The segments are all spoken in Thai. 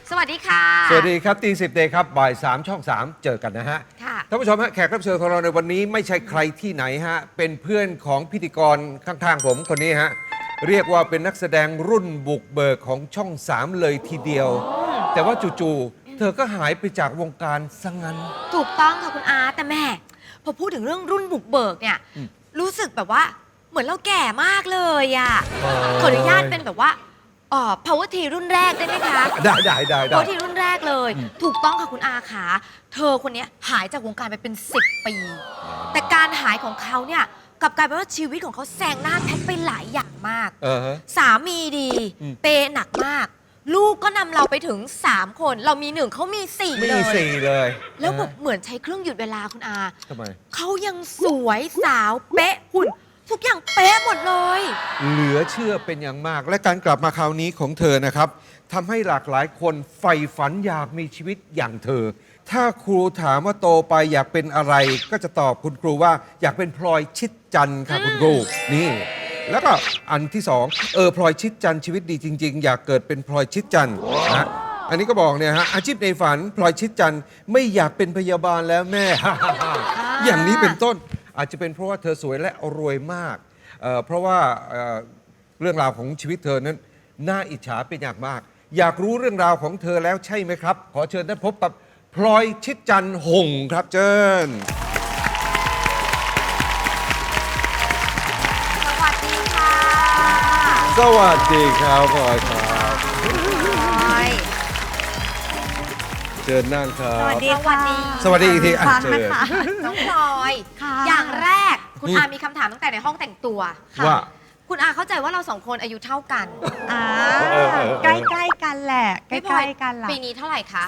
สวัสดีค่ะสวัสดีครับตีสิบเดย์ครับบ่าย3 ช่อง 3 เจอกันนะฮะท่านผู้ชมฮะแขกรับเชิญของเราในวันนี้ไม่ใช่ใครที่ไหนฮะเป็นเพื่อนของพิธีกรข้างๆผมคนนี้ฮะเรียกว่าเป็นนักแสดงรุ่นบุกเบิกของช่อง 3 เลยทีเดียว แต่ว่าจู่ๆเธอก็หายไปจากวงการซะงั้นถูกต้องค่ะคุณอาแต่แม่พอพูดถึงเรื่องรุ่นบุกเบิกเนี่ยรู้สึกแบบว่าเหมือนเราแก่มากเลยอ่ะขออนุญาตเป็นแบบว่าpower T รุ่นแรกได้ไหมคะได้ power T รุ่นแรกเลยถูกต้องค่ะคุณอาขาเธอคนนี้หายจากวงการไปเป็น10 ปีแต่การหายของเขาเนี่ยกลับกลายเป็นว่าชีวิตของเขาแซงหน้าแพทไปหลายอย่างมากสามีดีเปย์หนักมากลูกก็นำเราไปถึง3 คนเรามี1เขามี4เลยแล้วแบบเหมือนใช้เครื่องหยุดเวลาคุณอาทำไมเขายังสวยสาวเป๊ะหุ่นทุกอย่างเป๊ะหมดเลยเหลือเชื่อเป็นอย่างมากและการกลับมาคราวนี้ของเธอนะครับทำให้หลากหลายคนใฝ่ฝันอยากมีชีวิตอย่างเธอถ้าครูถามว่าโตไปอยากเป็นอะไรก็จะตอบคุณครูว่าอยากเป็นพลอยชิดจันทร์ค่ะคุณครูนี่แล้วก็อันที่2พลอยชิดจันทร์ชีวิตดีจริงๆอยากเกิดเป็นพลอยชิดจันทร์นะอันนี้ก็บอกเนี่ยฮะอาชีพในฝันพลอยชิดจันทร์ไม่อยากเป็นพยาบาลแล้วแม่ อย่างนี้เป็นต้นอาจจะเป็นเพราะว่าเธอสวยและรวยมากเพราะว่าเรื่องราวของชีวิตเธอนั้นน่าอิจฉาเป็นอย่างมากอยากรู้เรื่องราวของเธอแล้วใช่ไหมครับขอเชิญท่านพบกับพลอยชิดจันทร์หงส์ครับเชิญสวัสดีค่ะสวัสดีครับพลอยครับเชิญนั่งครับสวัสดีค่ะสวัสดีอีกทีเชิญน้องพลอยอย่างแรกคุณอามีคำถามตั้งแต่ในห้องแต่งตัวว่าคุณอาเข้าใจว่าเรา2 คนอายุเท่ากันใกล้ๆกันแหละใกล้ๆกันละปีนี้เท่าไหร่คะ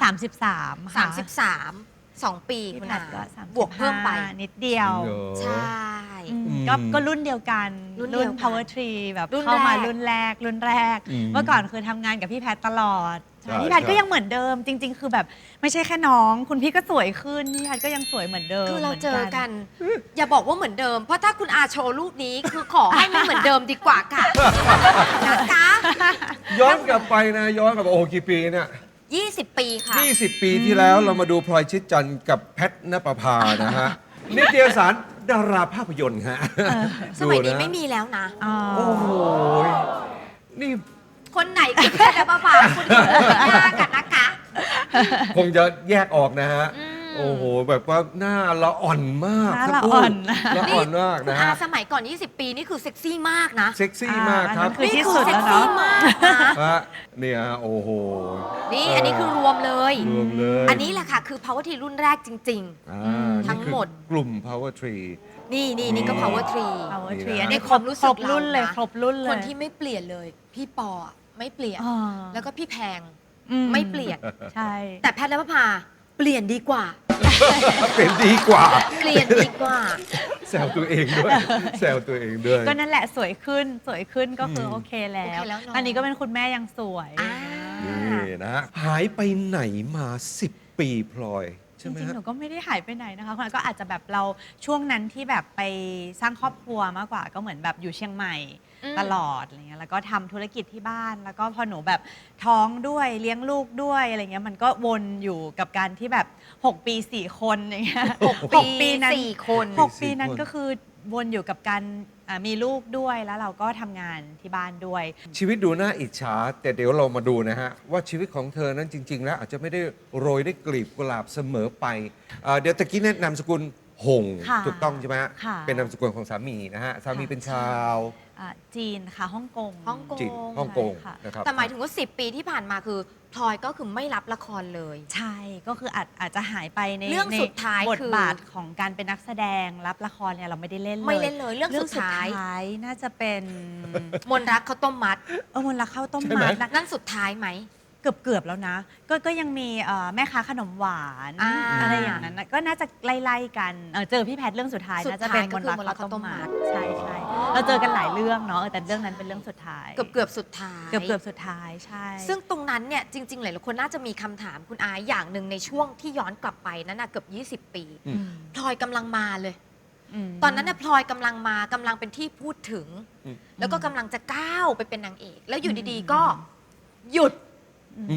33 2 ปีคุณอาบวกเพิ่มไปนิดเดียวใช่ก็รุ่นเดียวกันรุ่น power tree แบบเข้ามารุ่นแรกเมื่อก่อนคือทำงานกับพี่แพทตลอดพี่แพทก็ยังเหมือนเดิมจริงๆคือแบบไม่ใช่แค่น้องคุณพี่ก็สวยขึ้นพี่แพทก็ยังสวยเหมือนเดิมคือเราเจอกันอย่าบอกว่าเหมือนเดิมเพราะถ้าคุณอาโชว์รูปนี้คือขอให้ไม่เหมือนเดิมดีกว่าค่ะนะคะย้อนกลับไปนะย้อนกลับโอ้กี่ปีเนี่ย 20 ปีค่ะ 20 ปีที่แล้วเรามาดูพลอยชิดจันทร์กับแพทณปภานะฮะนิตยสารดาราภาพยนตร์ฮะสมัยนี้ไม่มีแล้วนะโอ้โหนี่คนไหนคือแพทณปภาคุณดูหน้ากันนะคะคงจะแยกออกนะฮะโอ้โหแบบว่าหน้าละอ่อนมากละอ่อนมากนะฮะสมัยก่อน20 ปีนี่คือเซ็กซี่มากนะเซ็กซี่มากครับคือที่สุดแล้วเนาะเนี่ยโอ้โหนี่อันนี้คือรวมเลยอันนี้แหละค่ะคือ Power Tree รุ่นแรกจริงๆทั้งหมดกลุ่ม Power Tree นี่ก็ Power Tree อันนี้ความรู้สึกรุ่นเลยครบรุ่นเลยคนที่ไม่เปลี่ยนเลยพี่ปอไม่เปลี่ยนแล้วก็พี่แพงไม่เปลี่ยนใช่แต่แพทย์และพภาเปลี่ยนดีกว่าเปลี่ยนดีกว่าแซวตัวเองด้วยก็นั่นแหละสวยขึ้นก็คือโอเคแล้วอันนี้ก็เป็นคุณแม่ยังสวยนี่นะหายไปไหนมา10 ปีพลอยจริงๆหนูก็ไม่ได้หายไปไหนนะคะคุณก็อาจจะแบบเราช่วงนั้นที่แบบไปสร้างครอบครัวมากกว่าก็เหมือนแบบอยู่เชียงใหม่ตลอดอะไรเงี้ยแล้วก็ทำธุรกิจที่บ้านแล้วก็พอหนูแบบท้องด้วยเลี้ยงลูกด้วยอะไรเงี้ยมันก็วนอยู่กับการที่แบบ6 ปี4 คนอย่างเงี้ย 6 ปีนั้น4 คน 6 ปีนั้นก็คือวนอยู่กับการมีลูกด้วยแล้วเราก็ทำงานที่บ้านด้วยชีวิตดูน่าอิจฉาแต่เดี๋ยวเรามาดูนะฮะว่าชีวิตของเธอนั้นจริงๆแล้วอาจจะไม่ได้โรยด้วยกลีบกุหลาบเสมอไปเดี๋ยวตะกี้แนะนำสกุลหงถูกต้องใช่ไหมฮะเป็นนามสกุลของสามีนะฮะสามีเป็นชาวจีนค่ะฮ่องกงนะครับแต่หมายถึงว่า10 ปีที่ผ่านมาคือพลอยก็คือไม่รับละครเลยใช่ก็คืออาจจะหายไปในเรื่องสุดท้ายบทบาทของการเป็นนักแสดงรับละครเนี่ยเราไม่ได้เล่นเลยเรื่องสุดท้ายน่าจะเป็นมนรักข้าวต้มมัดมนรักข้าวต้มมัดนั่นสุดท้ายไหมเกือบแล้วนะก็ยังมีแม่ค้าขนมหวานอะไรอย่างนั้นก็น่าจะไล่ๆกันเจอพี่แพทเรื่องสุดท้ายน่าจะเป็นมนรักข้าวต้มมัดใช่เราเจอกันหลายเรื่องเนาะแต่เรื่องนั้นเป็นเรื่องสุดท้ายเกือบสุดท้ายใช่ซึ่งตรงนั้นเนี่ยจริงๆหลายคนน่าจะมีคำถามคุณอาอย่างหนึ่งในช่วงที่ย้อนกลับไปนั้นนะเกือบ20 ปีพลอยกำลังมาเลยตอนนั้นน่ะพลอยกำลังเป็นที่พูดถึงแล้วก็กำลังจะก้าวไปเป็นนางเอกแล้วอยู่ดีๆก็หยุด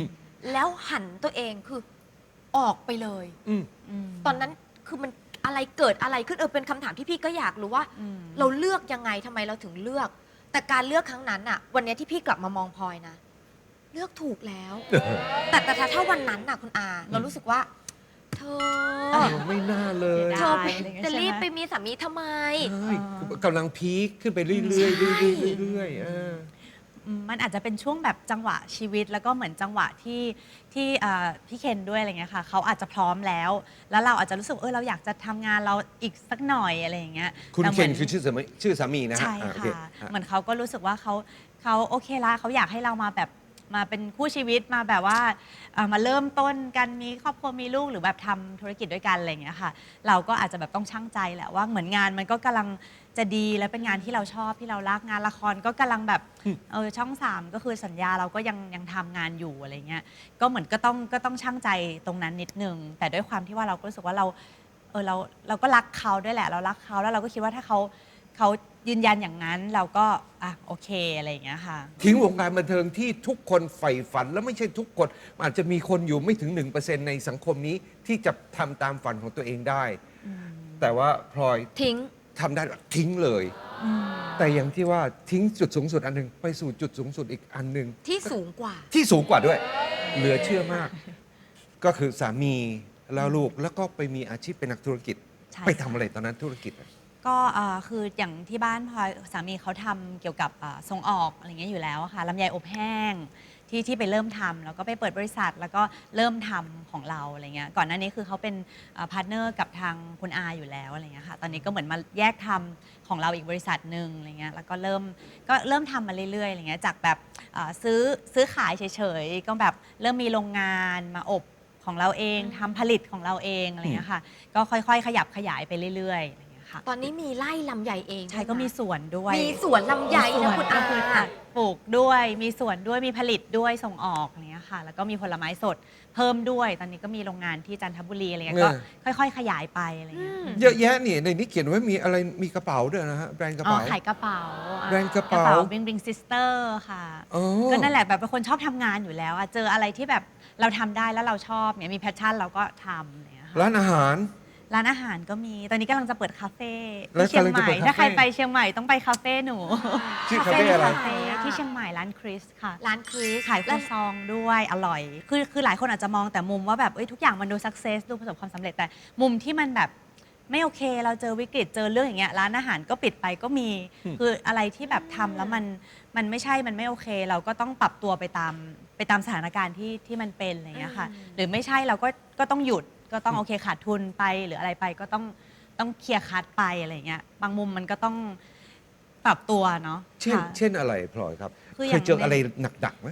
แล้วหันตัวเองคือออกไปเลยอืมตอนนั้นคือมันอะไรเกิดอะไรขึ้นเป็นคำถามที่พี่ก็อยากรู้ว่า เราเลือกยังไงทำไมเราถึงเลือก แต่การเลือกครั้งนั้นอะวันนี้ที่พี่กลับมามองพลอยนะ เลือกถูกแล้ว แต่ถ้าวันนั้นน่ะคุณอา เรารู้สึกว่า เธอไม่น่าเลยเสียเธดาอยอะไรอย่างเงี้ยจะรีบใช่ไหมไปมีสามีทำไมใช่กำลังพีคขึ้นไปเรื่อยๆเรื่อยๆเรื่อยๆมันอาจจะเป็นช่วงแบบจังหวะชีวิตแล้วก็เหมือนจังหวะที่พี่เคนด้วยอะไรเงี้ยค่ะเขาอาจจะพร้อมแล้วเราอาจจะรู้สึกเราอยากจะทำงานเราอีกสักหน่อยอะไรอย่างเงี้ยคุณแต่หเคนมืคือชื่อสามีนะฮะใช่โอเค่ะเหมือนเขาก็รู้สึกว่าเขาโอเคละเขาอยากให้เรามาแบบมาเป็นคู่ชีวิตมาแบบว่ามาเริ่มต้นกันมีครอบครัวมีลูกหรือแบบทำธุรกิจด้วยกันอะไรอย่างเงี้ยค่ะเราก็อาจจะแบบต้องชั่งใจแหละว่าเหมือนงานมันก็กำลังจะดีและเป็นงานที่เราชอบที่เรารักงานละครก็กำลังแบบช่อง3ก็คือสัญญาเราก็ยังทำงานอยู่อะไรเงี้ยก็เหมือนก็ต้องชั่งใจตรงนั้นนิดนึงแต่ด้วยความที่ว่าเราก็รู้สึกว่าเราก็รักเขาด้วยแหละเรารักเขาแล้วเราก็คิดว่าถ้าเขายืนยันอย่างนั้นเราก็โอเคอะไรอย่างเงี้ยค่ะทิ้งวงการบันเทิงที่ทุกคนใฝ่ฝันแล้วไม่ใช่ทุกคนอาจจะมีคนอยู่ไม่ถึง 1% ในสังคมนี้ที่จะทำตามฝันของตัวเองได้ แต่ว่าพลอยทิ้งทำได้ทิ้งเลย แต่อย่างที่ว่าทิ้งจุดสูงสุดอันหนึงไปสู่จุดสูงสุดอีกอันหนึ่งที่สูงกว่าที่สูงกว่าด้วย เหลือเชื่อมาก ก็คือสามีแล้วลูกแล้วก็ไปมีอาชีพเป็นนักธุรกิจใช่ไปทำอะไรตอนนั้นธุรกิจอะก็คืออย่างที่บ้านพลอยสามีเขาทำเกี่ยวกับส่งออกอะไรเงี้ยอยู่แล้วอะค่ะลำไยอบแห้งที่ไปเริ่มทำแล้วก็ไปเปิดบริษัทแล้วก็เริ่มทำของเราอะไรเงี้ยก่อนหน้านี้คือเขาเป็นพาร์ทเนอร์กับทางคุณอาอยู่แล้วอะไรเงี้ยค่ะตอนนี้ก็เหมือนมาแยกทำของเราอีกบริษัทหนึ่งอะไรเงี้ยแล้วก็เริ่มทำมาเรื่อยๆอะไรเงี้ยจากแบบซื้อขายเฉยๆก็แบบเริ่มมีโรงงานมาอบของเราเองทำผลิตของเราเองอะไรเงี้ยค่ะก็ค่อยๆขยับขยายไปเรื่อยๆตอนนี้มีไร่ลำไยเองใช่ก็มีสวนด้วยมีสวนลำไยนะคุณอาก็คือปลูกด้วยมีสวนด้วยมีผลิตด้วยส่งออกอะไรเงี้ยค่ะแล้วก็มีผลไม้สดเพิ่มด้วยตอนนี้ก็มีโรงงานที่จันทบุรีอะไรเงี้ยก็ค่อยๆขยายไปอะไรเงี้ยเยอะแยะนี่ในนี้เขียนไว้มีอะไรมีกระเป๋าด้วยนะฮะแบรนด์กระเป๋าขายกระเป๋าแบรนด์กระเป๋าบิงซิสเตอร์ค่ะอ๋อก็นั่นแหละแบบเป็นคนชอบทำงานอยู่แล้วเจออะไรที่แบบเราทำได้แล้วเราชอบเนี่ยมีแพชชั่นเราก็ทำเนี่ยค่ะร้านอาหารร้านอาหารก็มีตอนนี้กำลังจะเปิดคาเฟ่แล้วที่เชียงใหกำลังจะม่เปิดคาเฟ่ถ้าใครไปเชียงใหม่ต้องไปคาเฟ่หนูชื่อคาเฟ่อะไรคาเฟ่ที่เชียงใหม่ร้านคริสค่ะร้านคริสขายครัวซองด้วยอร่อยคือหลายคนอาจจะมองแต่มุมว่าแบบทุกอย่างมันดูสักเซสดูประสบความสำเร็จแต่มุมที่มันแบบไม่โอเคเราเจอวิกฤตเจอเรื่องอย่างเงี้ยร้านอาหารก็ปิดไปก็มีคืออะไรที่แบบทำแล้วมันไม่ใช่มันไม่โอเค เราก็ต้องปรับตัวไปตามสถานการณ์ที่มันเป็นอะไรอย่างเงี้ยค่ะหรือไม่ใช่เราก็ต้องหยุดก็ต้องโอเคขาดทุนไปหรืออะไรไปก็ต้องเคลียร์คัดไปอะไรอย่างเงี้ยบางมุมมันก็ต้องปรับตัวเนาะเช่นค่ะเช่นอะไรพลอยครับคืออเคย่าย งเจออะไรหนักๆไหม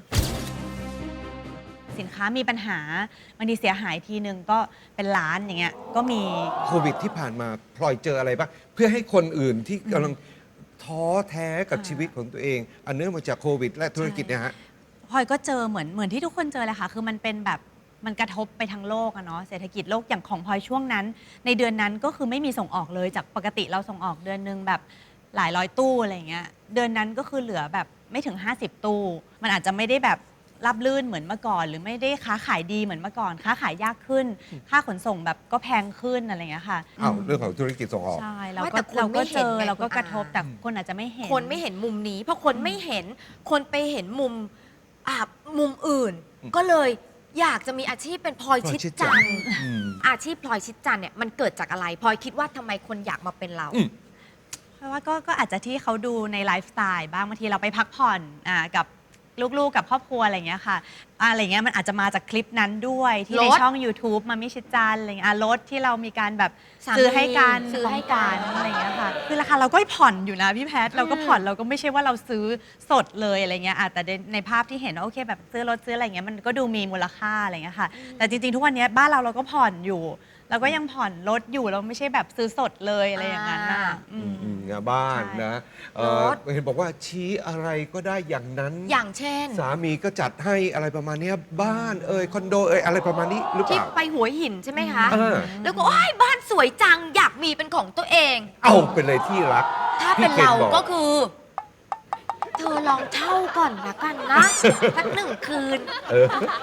สินค้ามีปัญหาบางทีเสียหายทีนึงก็เป็นล้านอย่างเงี้ยก็มีโควิดที่ผ่านมาพลอยเจออะไรบ้างเพื่อให้คนอื่นที่กำลังท้อแท้กับชีวิตของตัวเอง อันเนื่องมาจากโควิด และธุรกิจเนี่ยฮะพลอยก็เจอเหมือนที่ทุกคนเจอเลยค่ะ คือมันเป็นแบบมันกระทบไปทั้งโลกอะเนาะเศรษฐกิจโลกอย่างของพลอยช่วงนั้น ในเดือนนั้นก็คือไม่มีส่งออกเลยจากปกติเราส่งออกเดือนนึงแบบหลายร้อยตู้อะไรอย่างเงี้ยเดือนนั้นก็คือเหลือแบบไม่ถึง 50 ตู้ มันอาจจะไม่ได้แบบรับลื่นเหมือนเมื่อก่อน หรือไม่ได้ค้าขายดีเหมือนเมื่อก่อน ค้าขายยากขึ้น ค่าขนส่งแบบก็แพงขึ้นอะไรอย่างเงี้ยค่ะอ้าวเรื่องของธุรกิจส่งออกใช่เราไม่ก็แต่คนเราไม่ก็เห็เจนอไงเราก็คุณกระทบอาแต่คนอาจจะไม่เห็นคนไม่เห็นมุมนี้เพราะคนไม่เห็นคนไปเห็นมุมอื่น ก็เลยอยากจะมีอาชีพเป็นพลอยชิดจันทร์อืมอาชีพพลอยชิดจันทร์เนี่ยมันเกิดจากอะไรพลอยคิดว่าทำไมคนอยากมาเป็นเราเพราะว่าก็อาจจะที่เขาดูในไลฟ์สไตล์บ้างบางทีเราไปพักผ่อนกับลูกๆกับครอบครัวอะไรอย่างเงี้ยค่ะอะไรเงี้ยมันอาจจะมาจากคลิปนั้นด้วยที่ในรถช่อง YouTube มามิชิจันอะไรเงี้ยรถที่เรามีการแบบสามีซื้อให้กันซื้อให้กันของขวัญอะไรเงี้ยค่ะคือราคาเราก็ผ่อนอยู่นะพี่แพทเราก็ผ่อนเราก็ไม่ใช่ว่าเราซื้อสดเลยอะไรเงี้ยแต่ในภาพที่เห็นว่าโอเคแบบซื้อรถซื้ออะไรเงี้ยมันก็ดูมีมูลค่าอะไรเงี้ยค่ะแต่จริงๆทุกวันนี้บ้านเราก็ผ่อนอยู่เราก็ยังผ่อนรถอยู่เราไม่ใช่แบบซื้อสดเลยอะไรอย่างนั้นน่ะอืมบ้านใช่นะรถเห็นบอกว่าชี้อะไรก็ได้อย่างนั้นอย่างเช่นสามีก็จัดให้อะไรประมาณเนี้ยบ้านคอนโดอะไรประมาณนี้หรือเปที่ล่าไปหัวหินใช่ไหมคะเออแล้วก็โอ้ยบ้านสวยจังอยากมีเป็นของตัวเองเอาไปเลยที่รักถ้าเป็นพี่เราคนบอกก็คือ เธอลองเช่าก่อนละกันนะ สัก1 คืนเออแต่อันนี้ก็คือ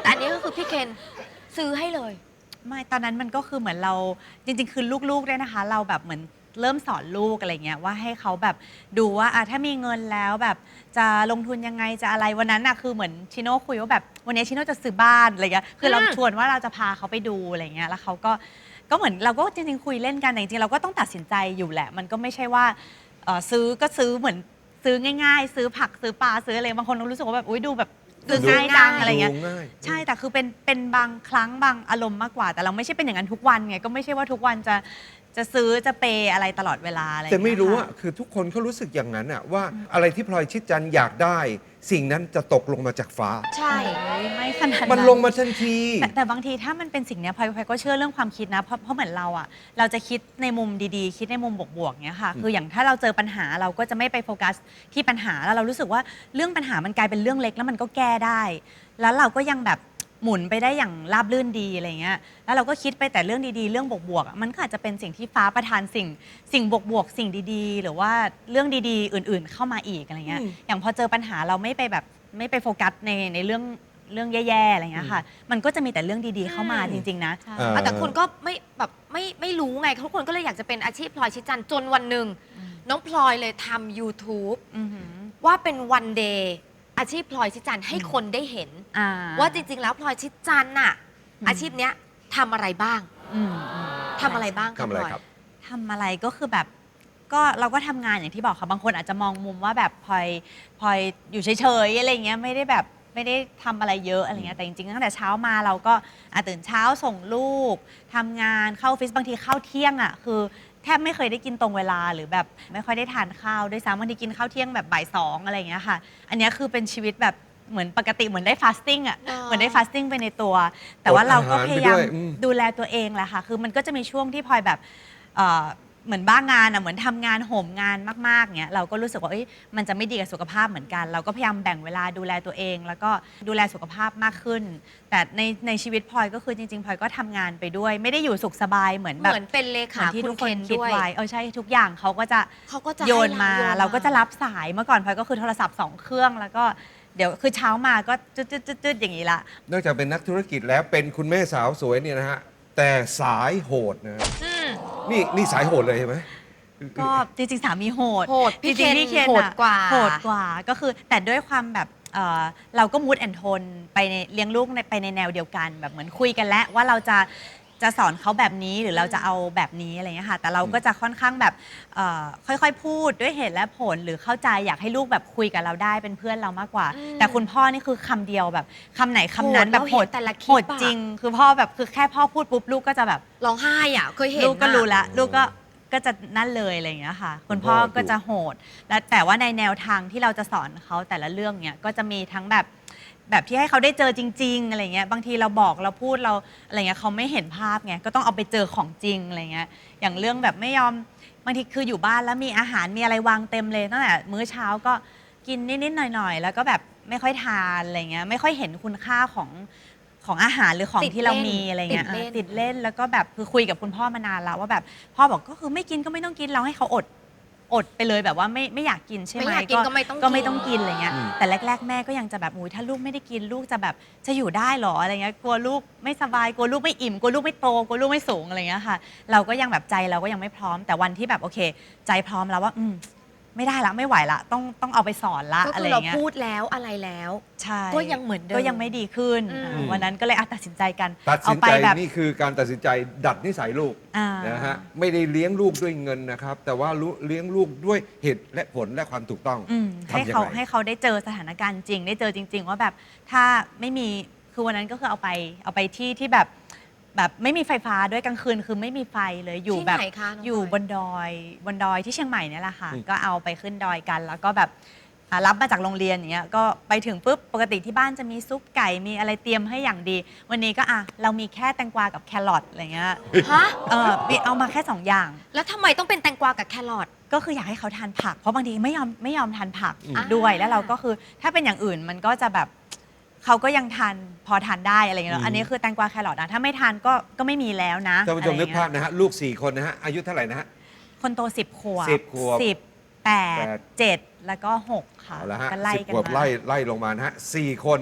คือพี่เคนซื้อให้เลยไม่ตอนนั้นมันก็คือเหมือนเราจริงๆคือลูกๆด้วยนะคะ เราแบบเหมือนเริ่มสอนลูกอะไรเงี้ยว่าให้เขาแบบดูว่าถ้ามีเงินแล้วแบบจะลงทุนยังไงจะอะไรวันนั้นอะคือเหมือนชิโน่คุยว่าแบบวันนี้ชิโน่จะซื้อบ้านอะไรเงี้ยคือเราชวนว่าเราจะพาเขาไปดูอะไรเงี้ยแล้วเขาก็เหมือนเราก็จริงๆคุยเล่นกันแต่จริงๆเราก็ต้องตัดสินใจอยู่แหละมันก็ไม่ใช่ว่าซื้อก็ซื้อเหมือนซื้อง่ายๆ ซื้อผักซื้อปลาซื้ออะไรบางคนเรารู้สึกว่าแบบอุ๊ยดูแบบซื้อง่ายจังอะไรเงี้ยดูง่ายใช่แต่คือเป็นบางครั้งบางอารมณ์มากกว่าแต่เราไม่ใช่เป็นอย่างนั้นทุกวันไงก็ไม่ใช่ว่าทุกวันจะซื้อจะเปย์อะไรตลอดเวลาอะไรแต่ไม่รู้อะอะคือทุกคนเขารู้สึกอย่างนั้นอะว่าอะไรที่พลอยชิดจันทร์อยากได้ สิ่งนั้นจะตกลงมาจากฟ้าใช่ไม่ขนาดมันลงมาทันทีแต่บางทีถ้ามันเป็นสิ่งเนี้ยพลอยก็เชื่อเรื่องความคิดนะเพราะเหมือนเราอะเราจะคิดในมุมดีๆ คิดในมุมบวกๆเนี้ยค่ะคืออย่างถ้าเราเจอปัญหาเราก็จะไม่ไปโฟกัสที่ปัญหาแล้วเรารู้สึกว่าเรื่องปัญหามันกลายเป็นเรื่องเล็กแล้วมันก็แก้ได้ แล้วเราก็ยังแบบหมุนไปได้อย่างราบรื่นดีอะไรเงี้ย แล้วเราก็คิดไปแต่เรื่องดีๆ เรื่องบวกๆอะมันก็อาจจะเป็นสิ่งที่ฟ้าประทานสิ่งบวกๆ สิ่งดีๆ หรือว่าเรื่องดีๆ อื่นๆ เข้ามาอีกอะไรเงี้ย อย่างพอเจอปัญหาเราไม่ไปโฟกัสในเรื่องแย่ๆ อะไรเงี้ยค่ะ มันก็จะมีแต่เรื่องดีๆ เข้ามาจริงๆ นะแต่คนก็ไม่แบบไม่รู้ไงทุกคนก็เลยอยากจะเป็นอาชีพพลอยชิดจันทร์จนวันหนึ่งน้องพลอยเลยทำ YouTube อือหือว่าเป็นวันเดย์อาชีพพลอยชิดจันทร์ให้คนได้เห็น ว่าจริงๆ แล้วพลอยชิดจันทร์น่ะอาชีพเนี้ยทำอะไรบ้างอืมทำอะไรบ้างทำอะไรพลอยครับทำอะไรก็คือแบบก็เราก็ทำงานอย่างที่บอกค่ะบางคนอาจจะมองมุมว่าแบบพลอยอยู่เฉยๆอะไรเงี้ยไม่ได้ทำอะไรเยอะอะไรเงี้ยแต่จริงๆตั้งแต่เช้ามาเราก็ตื่นเช้าส่งลูกทำงานเข้าออฟฟิศบางทีเข้าเที่ยงอ่ะคือแทบไม่เคยได้กินตรงเวลาหรือแบบไม่ค่อยได้ทานข้าวด้วยซ้ำบางทีกินข้าวเที่ยงแบบบ่ายสองอะไรเงี้ยค่ะอันเนี้ยคือเป็นชีวิตแบบเหมือนปกติเหมือนได้ฟาสติ้งอ่ะอ๋อเหมือนได้ฟาสติ้งไปในตัว แต่ว่าเราก็พยายามอดอาหารไปด้วยอืมดูแลตัวเองแหละค่ะ คือมันก็จะมีช่วงที่พลอยแบบเหมือนบ้างานอ่ะ เหมือนทำงานโหมงานมากๆเงี้ย เราก็รู้สึกว่ามันจะไม่ดีกับสุขภาพเหมือนกัน เราก็พยายามแบ่งเวลาดูแลตัวเอง แล้วก็ดูแลสุขภาพมากขึ้น แต่ในชีวิตพลอยก็คือจริงๆพลอยก็ทำงานไปด้วย ไม่ได้อยู่สุขสบายเหมือนเหแบบมือนเป็นเลเหมืขาอนที่คุทุณกเคคนนคิดด้วยไว้ใช่ทุกอย่างเขาก็จะให้โยนมาโยนเราก็จะรับสายเมื่อก่อนพลอยก็คือโทรศัพท์2 เครื่องแล้วก็เดี๋ยวคือเช้ามาก็จุดๆอย่างนี้ละนอกจากเป็นนักธุรกิจแล้วเป็นคุณแม่สาวสวยเนี่ยนะฮะ แต่สายโหดนะฮะอืมนี่สายโหดเลยใช่ไหมก็จริงๆสามีโหดโหดพี่จริงๆเคนอะโหดกว่าโหดกว่าก็คือแต่ด้วยความแบบเราก็มูดแอนโทนไปในเลี้ยงลูกไปในแนวเดียวกันแบบเหมือนคุยกันแล้วว่าเราจะสอนเขาแบบนี้หรือเราจะเอาแบบนี้อะไรเงี้ยค่ะแต่เราก็จะค่อนข้างแบบค่อยๆพูดด้วยเหตุและผลหรือเข้าใจอยากให้ลูกแบบคุยกับเราได้เป็นเพื่อนเรามากกว่า แต่คุณพ่อนี่คือคำเดียวแบบคำไหนคำนั้นแบบโหดแต่ละคโหลิปดอะจริง คือพ่อแบบคือแค่พ่อพูดปุ๊บลูกก็จะแบบร้องไห้อ่ะเคยเห็นลูกก็อะรู้แล้วลูกก็จะนั่นเลยอะไรอย่างเงี้ยค่ะคุณพ่อก็จะโหดและแต่ว่าในแนวทางที่เราจะสอนเขาแต่ละเรื่องเนี้ยก็จะมีทั้งแบบที่ให้เขาได้เจอจริงๆอะไรเงี้ยบางทีเราบอกเราพูดเราอะไรเงี้ยเขาไม่เห็นภาพไงก็ต้องเอาไปเจอของจริงอะไรเงี้ยอย่างเรื่องแบบไม่ยอมบางทีคืออยู่บ้านแล้วมีอาหารมีอะไรวางเต็มเลยตั้งแต่มื้อเช้าก็กินนิดๆหน่อยๆแล้วก็แบบไม่ค่อยทานอะไรเงี้ยไม่ค่อยเห็นคุณค่าของอาหารหรือของที่เรามีอะไรเงี้ยติดเล่นแล้วก็แบบคือคุยกับคุณพ่อมานานแล้วว่าแบบพ่อบอกก็คือไม่กินก็ไม่ต้องกินเราให้เขาอดไปเลยแบบว่าไม่อยากกินใช่ไหมไม่อยากกินก็ไม่ต้องก็ไม่ต้องกินอะไรเงี้ยอืมแต่แรกๆแม่ก็ยังจะแบบอุ้ยถ้าลูกไม่ได้กินลูกจะแบบจะอยู่ได้หรออะไรเงี้ยกลัวลูกไม่สบายกลัวลูกไม่อิ่มกลัวลูกไม่โตกลัวลูกไม่สูงอะไรเงี้ยค่ะ เราก็ยังแบบใจเราก็ยังไม่พร้อมแต่วันที่แบบโอเค ใจพร้อมแล้วว่าไม่ได้ละไม่ไหวละต้องเอาไปสอนละก็อะไรคือเราเงี้ยพูดแล้วอะไรแล้วใช่ก็ยังเหมือนเดิมก็ยังไม่ดีขึ้นอืมวันนั้นก็เลยตัดสินใจกันตัดเอาสินไปใจแบบนี่คือการตัดสินใจดัดนิสัยลูกอ่านะฮะไม่ได้เลี้ยงลูกด้วยเงินนะครับ แต่ว่าเลี้ยงลูกด้วยเหตุและผลและความถูกต้องให้ทำยังเขาไงให้เขาได้เจอสถานการณ์จริง ได้เจอจริง ๆ ว่าแบบถ้าไม่มีคือวันนั้นก็คือเอาไปที่แบบไม่มีไฟฟ้าด้วยกลางคืนคือไม่มีไฟเลยอยู่ที่แบบไหนคะน้องอยู่พลอยบนดอยที่เชียงใหม่เนี่ยแหละค่ะอืมก็เอาไปขึ้นดอยกัน แล้วก็แบบรับมาจากโรงเรียนอย่างเงี้ยก็ไปถึงปุ๊บปกติที่บ้านจะมีซุปไก่มีอะไรเตรียมให้อย่างดี วันนี้ก็เรามีแค่แตงกวากับแครอทอะไรเงี้ยฮะมีเอามาแค่2 อย่างแล้วทำไมต้องเป็นแตงกวากับแครอทก็คืออยากให้เขาทานผัก เพราะบางทีไม่ยอมทานผักอืมด้วยแล้วเราก็คือถ้าเป็นอย่างอื่นมันก็จะแบบเขาก็ยังทานพอทานได้อะไรอย่างเงี้ยเนอะอันนี้คือแตงกวาแครอทนะถ้าไม่ทานก็ไม่มีแล้วนะท่านผู้ชมอะไรนึกอย่งภาเงี้พยนะฮะลูก 4 คนนะฮะอายุเท่าไหร่นะฮะคนโต10 ขวบ 10 ขวบ 10 8 7 แล้วก็ 6 ค่ะเอาละฮะก็ไล่ 10 กันขวบมาไล่ลงมานะฮะ4 คน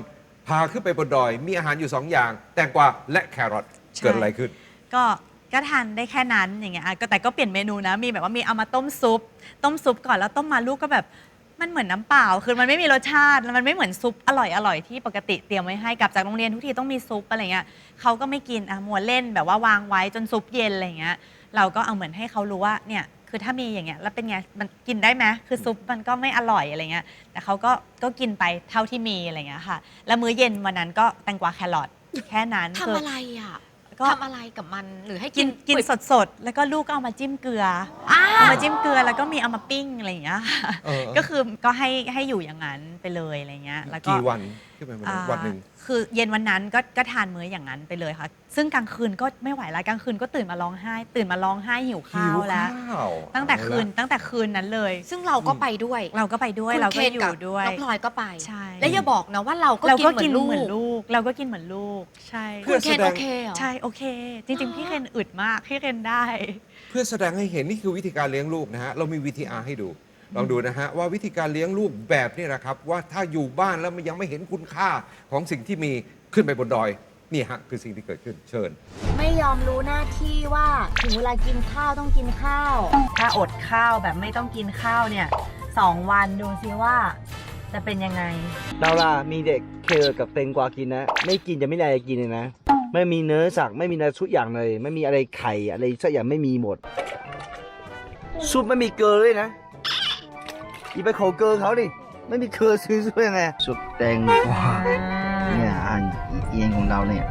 พาขึ้นไปบนดอยมีอาหารอยู่2อย่างแตงกวาและแครอทใช่เกิดอะไรขึ้นก็ทานได้แค่นั้นอย่างเงี้ยแต่ก็เปลี่ยนเมนูนะมีแบบว่ามีเอามาต้มซุปก่อนแล้วต้มมาลูกก็แบบมันเหมือนน้ำเปล่าคือมันไม่มีรสชาติแล้วมันไม่เหมือนซุปอร่อยที่ปกติเตรียมไว้ให้กลับจากโรงเรียนทุกทีต้องมีซุปอะไรเงี้ยเขาก็ไม่กินมัวเล่นแบบว่าวางไว้จนซุปเย็นอะไรเงี้ยเราก็เอาเหมือนให้เขารู้ว่าเนี่ยคือถ้ามีอย่างเงี้ยแล้วเป็นไงมันกินได้ไหมคือซุปมันก็ไม่อร่อยอะไรเงี้ยแต่เขาก็กินไปเท่าที่มีอะไรเงี้ยค่ะแล้วมื้อเย็นวันนั้นก็แตงกวาแครอทแค่นั้นทำอะไรอ่ะก็ทำอะไรกับมันหรือให้กินเปื่อยสดๆ แล้วก็ลูกก็เอามาจิ้มเกลืออ้าเอาวมาจิ้มเกลือแล้วก็มีเอามาปิ้งอะไรอย่างเงี้ยค่ะเออก็คือก็ให้อยู่อย่างนั้นไปเลยอะไรเงี้ยแล้วก็กี่วันขึ้นไปบนดอยวันหนึ่งคือเย็นวันนั้นก็ทานมื้ออย่างนั้นไปเลยค่ะ ซึ่งกลางคืนก็ไม่ไหวแล้วกลางคืนก็ตื่นมาร้องไห้หิวข้าวแล้ว ตั้งแต่คืนนั้นเลยซึ่งเราก็ไปด้วยเราก็ไปด้วยคุณเราก็คนอยู่ด้วยน้องพลอยก็ไปใช่แล้วอย่าบอกนะว่าเราก็เรากินก็เหมืกิอน นเหมือนลูกลูกเราก็กินเหมือนลูกใช่คุณเคนโอเคเหรอใช่โอเค จริง ๆ พี่เคนอึดมากพี่เคนได้เพื่อแสดงให้เห็นนี่คือวิธีการเลี้ยงลูกนะฮะ เรามี VTR ให้ดู ลองดูนะฮะ ว่าวิธีการเลี้ยงลูกแบบนี้นะครับ ว่าถ้าอยู่บ้านแล้วมันยังไม่เห็นคุณค่าของสิ่งที่มีขึ้นไปบนดอย นี่ฮะ คือสิ่งที่เกิดขึ้นเชิญไม่ยอมรู้หน้าที่ว่าถึงเวลากินข้าวต้องกินข้าว ถ้าอดข้าวแบบไม่ต้องกินข้าวเนี่ย2 วันดูซิว่าจะเป็นยังไงเราล่ะมีเด็กเคอกับเตงกวากินนะ ไม่กินจะไม่ได้อะไรกินเลยนะ ไม่มีเนื้อสักไม่มีอะไรทุกอย่างเลย ไม่มีอะไรไข่อะไรสักอย่างไม่มีหมด ซุปไม่มีเกลือเลยนะอย่าไปขอเกลือเขาดิไม่มีเกลือซื้อยังไงซุปแตงกวาเนี่ยอาหารเอียงของเราเนี่ย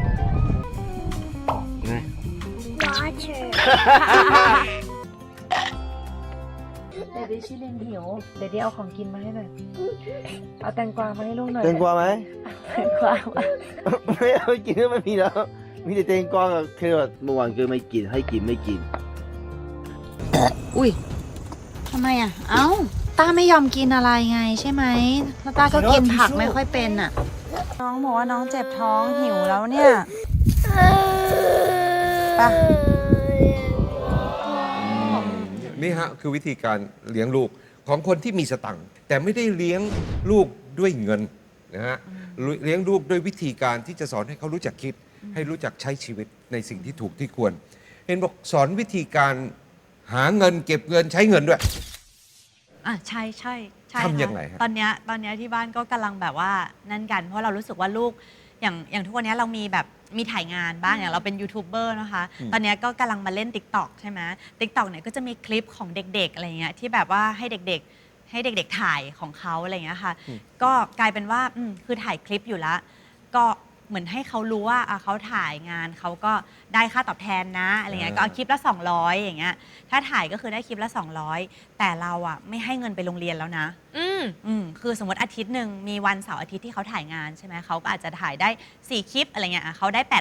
ไงเดี๋ยวดิชิลินหิว เดี๋ยวดิเอาของกินมาให้หน่อย เอาแตงกวามาให้ลูกหน่อยแตงกวาไหมแตงกวามาไม่เอากินก็ไม่มีแล้ว มีแต่แตงกวากับแครอทเมื่อวานก็ไม่กินให้กินไม่กินอุ้ยทำไมอ่ะ เอ้า ต้าไม่ยอมกินอะไรไงใช่ไหมแล้วต้าก็กินผักไม่ค่อยเป็นอ่ะ น้องบอกว่าน้องเจ็บท้องหิวแล้วเนี่ยไปนี่ฮะคือวิธีการเลี้ยงลูกของคนที่มีสตังค์แต่ไม่ได้เลี้ยงลูกด้วยเงินนะฮะเลี้ยงลูกด้วยวิธีการที่จะสอนให้เขารู้จักคิด ให้รู้จักใช้ชีวิตในสิ่งที่ถูกที่ควร เห็นบอกสอนวิธีการหาเงินเก็บเงินใช้เงินด้วยใช่ค่ะทำยังไงฮะตอนเนี้ยที่บ้านก็กำลังแบบว่านั่นกัน เพราะเรารู้สึกว่าลูกอย่างทุกวันนี้เรามีแบบมีถ่ายงานบ้างอย่างเราเป็นยูทูบเบอร์นะคะ ตอนเนี้ยก็กำลังมาเล่น TikTok ใช่ไหม TikTok เนี่ยก็จะมีคลิปของเด็กๆอะไรเงี้ยที่แบบว่าให้เด็กๆถ่ายของเขาอะไรเงี้ยค่ะก็กลายเป็นว่าคือถ่ายคลิปอยู่แล้วก็เหมือนให้เขารู้ว่าเขาถ่ายงานเขาก็ได้ค่าตอบแทนนะอะไรเงี้ยก็เอาคลิปละ200อย่างเงี้ยถ้าถ่ายก็คือได้คลิปละ200แต่เราไม่ให้เงินไปโรงเรียนแล้วนะ คือสมมติอาทิตย์หนึ่งมีวันเสาร์อาทิตย์ที่เขาถ่ายงานใช่ไหมเขาก็อาจจะถ่ายได้4คลิปอะไรเงี้ยเขาได้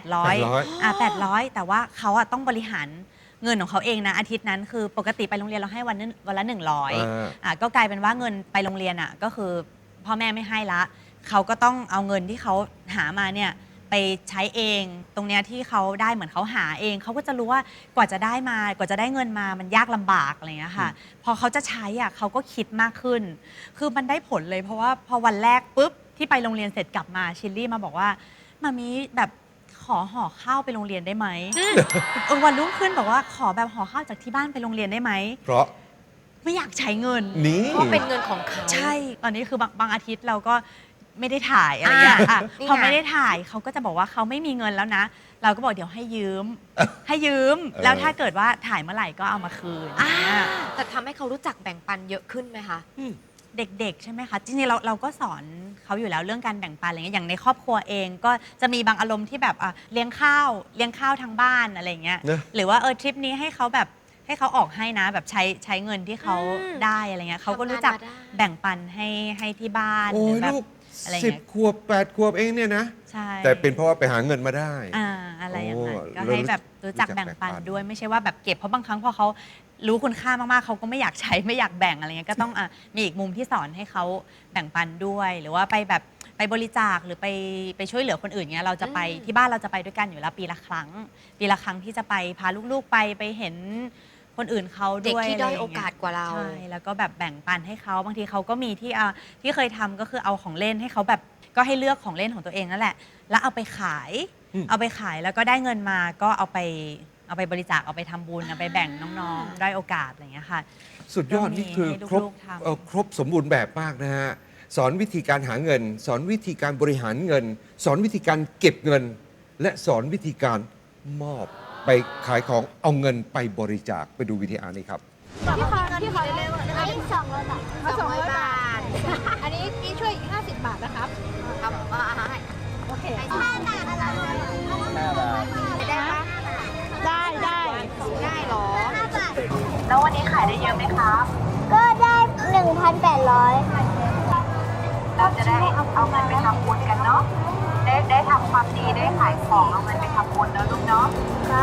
800แต่ว่าเขาต้องบริหารเงินของเขาเองนะอาทิตย์นั้นคือปกติไปโรงเรียนเราให้วันละ100ก็กลายเป็นว่าเงินไปโรงเรียนก็คือพ่อแม่ไม่ให้ละเขาก็ต้องเอาเงินที่เขาหามาเนี่ยไปใช้เองตรงเนี้ยที่เขาได้เหมือนเขาหาเองเขาก็จะรู้ว่ากว่าจะได้เงินมามันยากลำบากอะไรเงี้ยค่ะพอเขาจะใช้เขาก็คิดมากขึ้นคือมันได้ผลเลยเพราะว่าพอวันแรกปุ๊บที่ไปโรงเรียนเสร็จกลับมาชิลลี่มาบอกว่ามามีแบบขอห่อข้าวไปโรงเรียนได้ไหมวันรุ่งขึ้นบอกว่าขอแบบห่อข้าวจากที่บ้านไปโรงเรียนได้ไหมเพราะไม่อยากใช้เงินนี่เพราะเป็นเงินของเขาใช่ตอนนี้คือบางอาทิตย์เราก็ไม่ได้ถ่ายอะไรอย่างเงี้ยนี่ไงพอไม่ได้ถ่ายเขาก็จะบอกว่าเขาไม่มีเงินแล้วนะ เราก็บอกเดี๋ยวให้ยืม แล้วถ้าเกิดว่าถ่ายเมื่อไหร่ก็เอามาคืนอย่างเงี้ยแต่ทำให้เขารู้จักแบ่งปันเยอะขึ้นไหมคะเด็กๆใช่ไหมคะจริงๆเราก็สอนเขาอยู่แล้วเรื่องการแบ่งปันอะไรเงี้ยอย่างในครอบครัวเองก็จะมีบางอารมณ์ที่แบบเลี้ยงข้าวทางบ้านอะไรเงี้ยนะหรือว่าทริปนี้ให้เขาออกให้นะแบบใช้เงินที่เขาอืมได้อะไรเงี้ยเขาก็รู้จักทำงานมาได้แบ่งปันให้ที่บ้านโอ้หรืยแบบลูกอะไร 10 เงี้ยขวบ 8 ขวบเองเนี่ยนะใช่แต่เป็นเพราะว่าไปหาเงินมาได้อะไรอย่างนั้นโอ้ก็ให้แบบรู้จักรู้จักแบ่งปันแบ่งปันด้วยไม่ใช่ว่าแบบเก็บเพราะบางครั้งพอเขารู้คุณค่ามากๆเขาก็ไม่อยากใช้ไม่อยากแบ่งอะไรเงี้ยก็ต้องมีอีกมุมที่สอนให้เขาแบ่งปันด้วย หรือว่าไปแบบไปบริจาคหรือไปช่วยเหลือคนอื่นเงี้ยเราจะไปที่บ้านเราจะไปด้วยกันอยู่แล้วปีละครั้งที่จะไปพาลูกๆไปเห็นคนอื่นเขาเด็กด้วยที่อะไรด้อยย่งโอเงี้กาสกว่าเราใช่แล้วก็แบบแบ่งปันให้เขาบางทีเขาก็มีที่เคยทำก็คือเอาของเล่นให้เขาแบบก็ให้เลือกของเล่นของตัวเองนั่นแหละ แล้วเอาไปขาย เอาไปขายแล้วก็ได้เงินมาก็เอาไปบริจาคเอาไปทำบุญเอาไปแบ่งน้องๆได้อยโอกาสอะไรอย่างเงี้ยค่ะสุดยอดนี่คือให้ครบลูกๆทำครบสมบูรณ์แบบมากนะฮะ สอนวิธีการหาเงิน สอนวิธีการบริหารเงิน สอนวิธีการเก็บเงิน และสอนวิธีการมอบไปขายของเอาเงินไปบริจาคไปดูวิธีนี้ครับพี่ขอเร็วๆอันนี้200 บาท200 บาท อันนี้พี่ช่วยอีก50 บาทนะครับ ครับโอเค5 บาทอะไรได้ปะได้หรอ5 บาทแล้ววันนี้ขายได้เยอะไหมครับก็ได้ 1,800 เราจะได้เอาเงินไปทำบุญกันเนาะ ได้ทำความดีได้ขายของเอาเงินไปทำบุญแล้วลูกเนาะครับ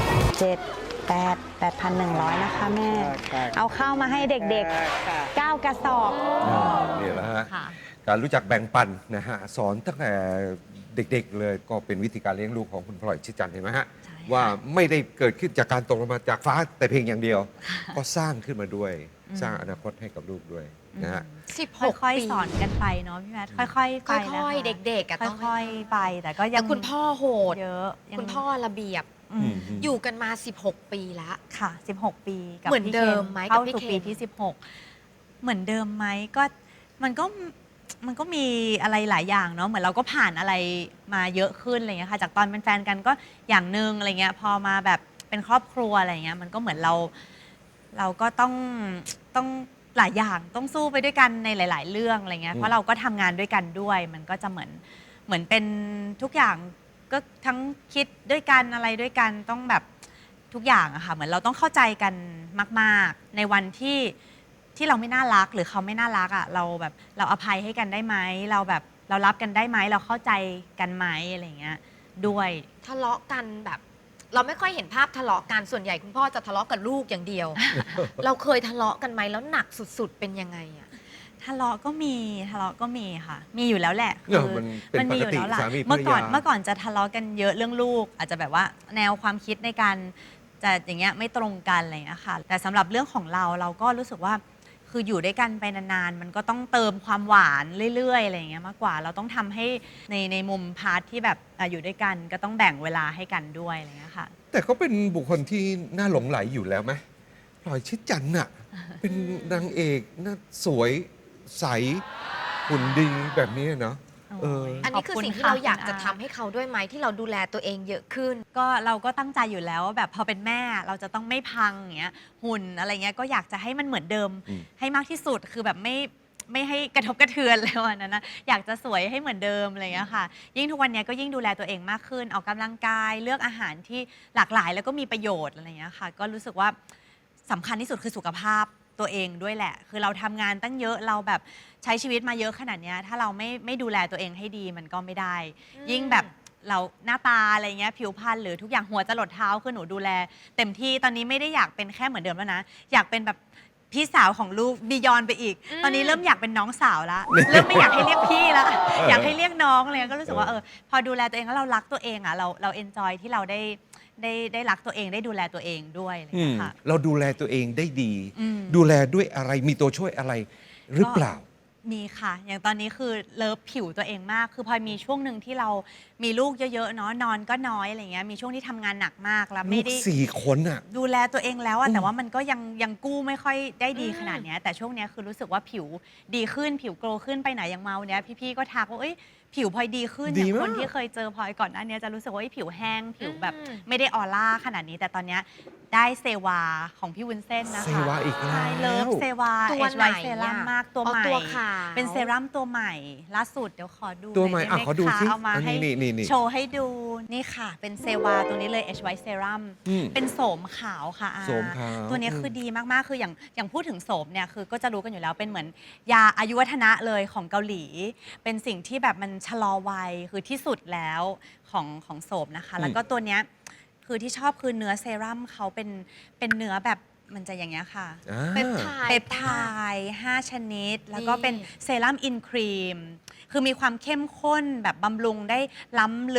8,100 นะคะแม่ เอาข้าวมาให้เด็กๆ 9 กระสอบนี่แหละฮะค่ะการรู้จักแบ่งปันนะฮะ สอนตั้งแต่เด็กๆเลยก็เป็นวิธีการเลี้ยงลูกของคุณพลอยชิดจันทร์เห็นไหมฮะใช่ค่ะว่าไม่ได้เกิดขึ้นจากการตกลงมาจากฟ้าแต่เพียงอย่างเดียว ก็สร้างขึ้นมาด้วย สร้างอนาคตให้กับลูกด้วยนะฮะค่อยปีๆสอนกันไปเนาะพี่แมทค่อยๆไปค่นะคะอยๆ เด็กๆอะต้องค่อยๆไปแต่ก็ยัแต่งคุณพ่อโหดเยอะยังคุณพ่อระเบียบอืมอยู่กันมา 16 ปีแล้วค่ะ 16 ปีกับเหมือนพี่เดิคนมไหมเข้ากับพี่สู่เคนปีที่ 16 เหมือนเดิมไหมก็มันก็มีอะไรหลายอย่างเนาะเหมือนเราก็ผ่านอะไรมาเยอะขึ้นอะไรเงี้ยค่ะจากตอนเป็นแฟนกันก็อย่างหนึ่งอะไรเงี้ยพอมาแบบเป็นครอบครัวอะไรเงี้ยมันก็เหมือนเราก็ต้องหลายอย่างต้องสู้ไปด้วยกันในหลาย ๆ เรื่องอะไรเงี้ยเพราะเราก็ทำงานด้วยกันด้วย มันก็จะเหมือนเป็นทุกอย่างก็ทั้งคิดด้วยกันอะไรด้วยกันต้องแบบทุกอย่างอะค่ะเหมือนเราต้องเข้าใจกันมาก ๆ ในวันที่เราไม่น่ารักหรือเขาไม่น่ารักอะเราแบบเราอภัยให้กันได้ไหมเราแบบเรารับกันได้ไหมเราเข้าใจกันไหมอะไรเงี้ยด้วยทะเลาะกันแบบ เราไม่ค่อยเห็นภาพทะเลาะกันส่วนใหญ่คุณพ่อจะทะเลาะกับลูกอย่างเดียว เราเคยทะเลาะกันไหมแล้วหนักสุดๆเป็นยังไงอะทะเลาะก็มีค่ะ มีอยู่แล้วแหละเนี่ยมันเป็นมีอยู่ปกติแล้วล่ะสามีภรรยาเมื่อก่อนจะทะเลาะกันเยอะเรื่องลูก อาจจะแบบว่าแนวความคิดในการจะอย่างเงี้ยไม่ตรงกันอะไรอย่างเงี้ยค่ะแต่สำหรับเรื่องของเราก็รู้สึกว่าคืออยู่ด้วยกันไปนานๆมันก็ต้องเติมความหวานเรื่อยๆอะไรอย่างเงี้ยมากกว่าเราต้องทำให้ในมุมพาร์ทที่แบบอยู่ด้วยกันก็ต้องแบ่งเวลาให้กันด้วยอะไรอย่างเงี้ยค่ะแต่เขาเป็นบุคคลที่น่าหลงไหลอยู่แล้วไหมพลอยชิดจันทร์น่ะ เป็นนางเอกน่าสวยใสหุ่นดีแบบนี้เนาะเอออันนี้คือสิ่งที่เราอยากจะทำให้เขาด้วยไหมที่เราดูแลตัวเองเยอะขึ้นก็เราก็ตั้งใจอยู่แล้วว่าแบบพอเป็นแม่เราจะต้องไม่พังอย่างเงี้ยหุ่นอะไรเงี้ยก็อยากจะให้มันเหมือนเดิมอืมให้มากที่สุดคือแบบไม่ให้กระทบกระเทือนเลยวันนั้นนะอยากจะสวยให้เหมือนเดิมอะไรเงี้ยค่ะยิ่งทุกวันนี้ก็ยิ่งดูแลตัวเองมากขึ้นออกกำลังกายเลือกอาหารที่หลากหลายแล้วก็มีประโยชน์อะไรเงี้ยค่ะก็รู้สึกว่าสำคัญที่สุดคือสุขภาพตัวเองด้วยแหละคือเราทำงานตั้งเยอะเราแบบใช้ชีวิตมาเยอะขนาดเนี้ยถ้าเราไม่ดูแลตัวเองให้ดีมันก็ไม่ได้ ยิ่งแบบเราหน้าตาอะไรเงี้ยผิวพรรณหรือทุกอย่างหัวจรดเท้าคือหนูดูแลเต็มที่ตอนนี้ไม่ได้อยากเป็นแค่เหมือนเดิมแล้วนะอยากเป็นแบบพี่สาวของลูกบียอนไปอีก ตอนนี้เริ่มอยากเป็นน้องสาวละเริ่มไม่อยากให้เรียกพี่ละอยากให้เรียกน้องเลยก็รู้สึกว่าพอดูแลตัวเองแล้วเรารักตัวเองอ่ะเราเอนจอยที่เราได้รักตัวเองได้ดูแลตัวเองด้วยอะไรอย่างเงี้ยค่ะเราดูแลตัวเองได้ดีอืมดูแลด้วยอะไรมีตัวช่วยอะไรหรือเปล่ามีค่ะ อย่างตอนนี้คือเลิฟผิวตัวเองมาก คือพอมีช่วงหนึ่งที่เรามีลูกเยอะๆเนาะนอนก็น้อยอะไรเงี้ยมีช่วงที่ทำงานหนักมากแล้วลูไม่กได้ 4 คนอ่ะดูแลตัวเองแล้วอะแต่ว่ามันก็ยังกู้ไม่ค่อยได้ดีขนาดเนี้ยแต่ช่วงเนี้ยคือรู้สึกว่าผิวดีขึ้นผิวโกลขึ้นไปไหนอย่างเมาเนี้ยพี่ๆก็ทักว่าเอ้ยผิวพลอยดีขึ้นอดีย่างมากคนที่เคยเจอพลอยก่อนหน้านี้จะรู้สึกว่าเอ้ยผิวแห้งผิวแบบอืมไม่ได้ออร่าขนาดนี้ แต่ตอนเนี้ยได้เซวาของพี่วุ้นเส้นนะคะเซวาอีกแล้วใช่เลิฟเซวาตัวเอชไหนไวเซรั่มอะมากตัวอ๋อใหม่ตัวขาวเป็นเซรั่มตัวใหม่ล่าสุดเดี๋ยวขอดูตัวใหม่น่ยอ่ะไขอดูคะสิเอามาอันนี้ให้นี่โชว์ให้ดูนี่ค่ะ เป็นเซวาตัวนี้เลย H White Serum อืมเป็นโสมขาวค่ะอาโสมขาวตัวนี้คือดีมากๆคืออย่างพูดถึงโสมเนี่ยคือก็จะรู้กันอยู่แล้วเป็นเหมือนยาอายุวัฒนะเลยของเกาหลี เป็นสิ่งที่แบบมันชะลอวัยคือที่สุดแล้วของโสมนะคะ แล้วก็ตัวเนี้ยคือที่ชอบคือเนื้อเซรั่มเขาเป็นเนื้อแบบมันจะอย่างเงี้ยค่ะอ่าเป็นไทยเปปไทด์5 ชนิด แล้วก็เป็นเซรั่มอินครีม คือมีความเข้มข้นแบบบำรุงได้ล้ำลึก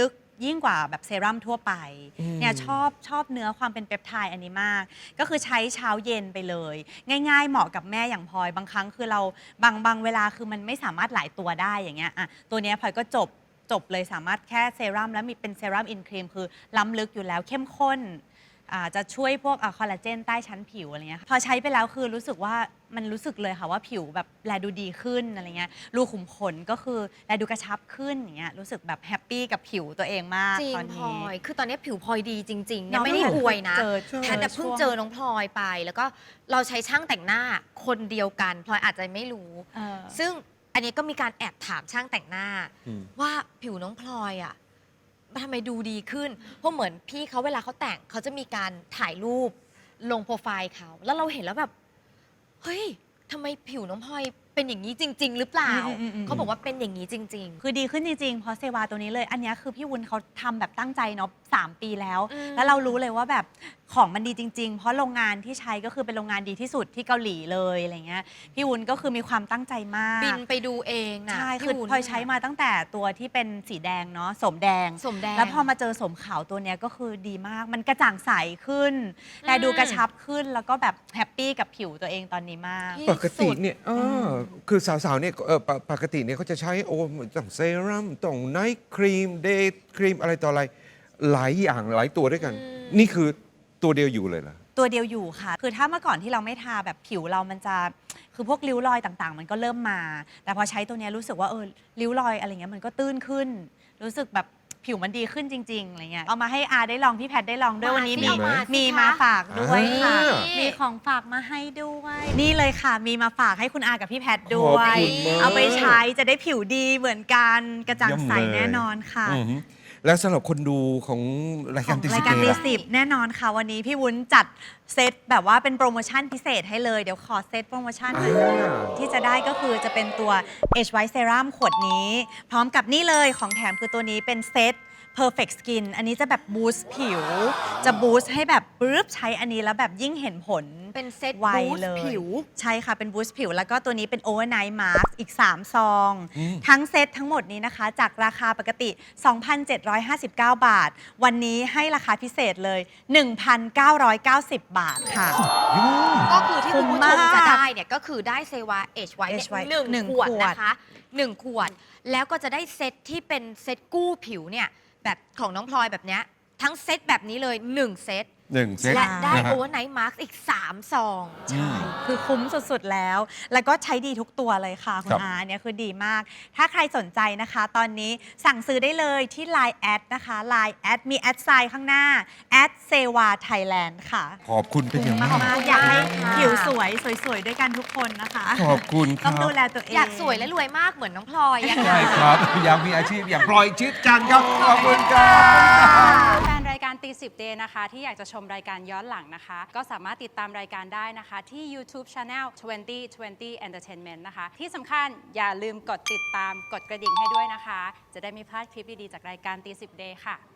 ยิ่งกว่าแบบเซรั่มทั่วไปเนี่ยชอบเนื้อความเป็นเปปไทด์อันนี้มาก ก็คือใช้เช้าเย็นไปเลย ง่ายๆเหมาะกับแม่อย่างพลอยบางครั้งคือเราบางเวลาคือมันไม่สามารถหลายตัวได้อย่างเงี้ยอ่ะตัวเนี้ยพลอยก็จบเลยสามารถแค่เซรั่มแล้วมีเป็นเซรั่มอินครีมคือล้ำลึกอยู่แล้วเข้มข้นจะช่วยพวกคอลลาเจนใต้ชั้นผิวอะไรเงี้ยพอใช้ไปแล้วคือรู้สึกว่ามันรู้สึกเลยค่ะว่าผิวแบบแลดูดีขึ้นอะไรเงี้ยรูขุมขนก็คือแลดูกระชับขึ้นอย่างเงี้ยรู้สึกแบบแฮปปี้กับผิวตัวเองมากจริงตอนพลอนี้ย คือตอนนี้ผิวพลอยดีจริงๆน้เนี่ยองไม่ได้อวยนะเจอแพทย์แต่เพิ่งเจอน้องพลอยไป แล้วก็เราใช้ช่างแต่งหน้าคนเดียวกันพลอยอาจจะไม่รู้ ซึ่งอันนี้ก็มีการแอบถามช่างแต่งหน้า ว่าผิวน้องพลอยอ่ะทำไมดูดีขึ้น เพราะเหมือนพี่เขาเวลาเขาแต่งเขาจะมีการถ่ายรูปลงโปรไฟล์เขาแล้วเราเห็นแล้วแบบเฮ้ยทำไมผิวน้องพลอยเป็นอย่างนี้จริง ๆ หรือเปล่า เขาบอกว่าเป็นอย่างนี้จริง ๆคือดีขึ้นจริงๆ เพราะเซวาตัวนี้เลย อันเนี้ยคือพี่วุ้นเขาทำแบบตั้งใจเนาะ3 ปีแล้ว แล้วเรารู้เลยว่าแบบของมันดีจริงๆ เพราะโรงงานที่ใช้ก็คือเป็นโรงงานดีที่สุดที่เกาหลีเลยอะไรเงี้ย พี่วุ้นก็คือมีความตั้งใจมากบินไปดูเองนะใช่พี่คือวุ้นพลอยใช้มาตั้งแต่ตัวที่เป็นสีแดงเนาะสมแดงสมแดงแล้วพอมาเจอสมขาวตัวเนี้ยก็คือดีมาก มันกระจ่างใสขึ้น และดูกระชับขึ้น แล้วก็แบบแฮปปี้กับผิวตัวเองตอนนี้มากที่ปกติสุดเนี่ยคือสาวๆเนี่ยปกติเนี่ยเขาจะใช้ต้องเซรั่มต้องไนท์ครีมเดย์ครีมอะไรต่ออะไรหลายอย่างหลายตัวด้วยกัน นี่คือตัวเดียวอยู่เลยเหรอตัวเดียวอยู่ค่ะ คือถ้าเมื่อก่อนที่เราไม่ทาแบบผิวเรามันจะคือพวกริ้วรอยต่างๆ มันก็เริ่มมา แต่พอใช้ตัวเนี้ยรู้สึกว่าริ้วรอยอะไรเงี้ยมันก็ตื้นขึ้น รู้สึกแบบผิวมันดีขึ้นจริงๆอะไรเงี้ยเอามาให้อาได้ลองพี่แพทได้ลองด้วยวันนี้สิเอามาสิมีคะมาฝากด้วยค่ะอ่ามีของฝากมาให้ด้วย นี่เลยค่ะมีมาฝากให้คุณอากับพี่แพทด้ขอบวยคุณมากเอาไปใช้จะได้ผิวดีเหมือนกันกระจ่างใสเยี่ยมเลยแน่นอนค่ะอือฮึแล้วสำหรับคนดูของรายขการองติรายการสิตีล่ะสิบแน่นอนค่ะ วันนี้พี่วุ้นจัดเซตแบบว่าเป็นโปรโมชั่นพิเศษให้เลย เดี๋ยวขอเซตโปรโมชั่นหน่อยที่จะได้ก็คือจะเป็นตัว Age White Serum ขวดนี้ พร้อมกับนี่เลยของแถมคือตัวนี้เป็นเซต Perfect Skin อันนี้จะแบบบูสต์ผิว จะบูสต์ให้แบบปึ๊บใช้อันนี้แล้วแบบยิ่งเห็นผลเป็นเซตไวบูสเลต์ยผิวใช่ค่ะ เป็นบูสต์ผิว แล้วก็ตัวนี้เป็น Overnight Mask อีก 3 ซอง ทั้งเซตทั้งหมดนี้นะคะ จากราคาปกติ 2,759 บาท วันนี้ให้ราคาพิเศษเลย 1,990 บาทค่ะก็คือที่คุณผู้ชมคุ้มมากจะได้เนี่ยก็คือได้เซวาเอชไวท์ Age White หนึ่งหนึ่งขวดขวดนะคะ1 ขวด แล้วก็จะได้เซตที่เป็นเซตกู้ผิวเนี่ยแบบของน้องพลอยแบบเนี้ยทั้งเซตแบบนี้เลย 1 เซต 1 เซตและได้นะฮะโอเวอร์ไนท์มาร์กอีก 3 ซองใช่ คือคุ้มสุดๆแล้ว แล้วก็ใช้ดีทุกตัวเลยค่ะ คุครัณบอาเนี่ยคือดีมาก ถ้าใครสนใจนะคะ ตอนนี้สั่งซื้อได้เลยที่ Line แอดนะคะ Line แอดมีแอดไซน์ข้างหน้าแอดเซวาไทยแลนด์ค่ะขอบคุณเป็นอย่างมากมากๆอยากให้ผิวสวยๆ ด้วยกันทุกคนนะคะขอบคุณคต้รัองบดูแลตัวเองอยากสวยและรวยมากเหมือนน้องพลอยอะใช่ค่ะครับ อยากมีอาชีพอย่างพลอยชิดจันทร์ครับ ขอบคุณครับแฟนรายการตีสิบเดย์นะคะ ที่อยากจะชมรายการย้อนหลังนะคะ ก็สามารถติดตามรายการได้นะคะ ที่ YouTube Channel 2020 Entertainment นะคะ ที่สำคัญอย่าลืมกดติดตามกดกระดิ่งให้ด้วยนะคะ จะได้ไม่พลาดคลิปดี ๆ จากรายการตีสิบเดย์ค่ะ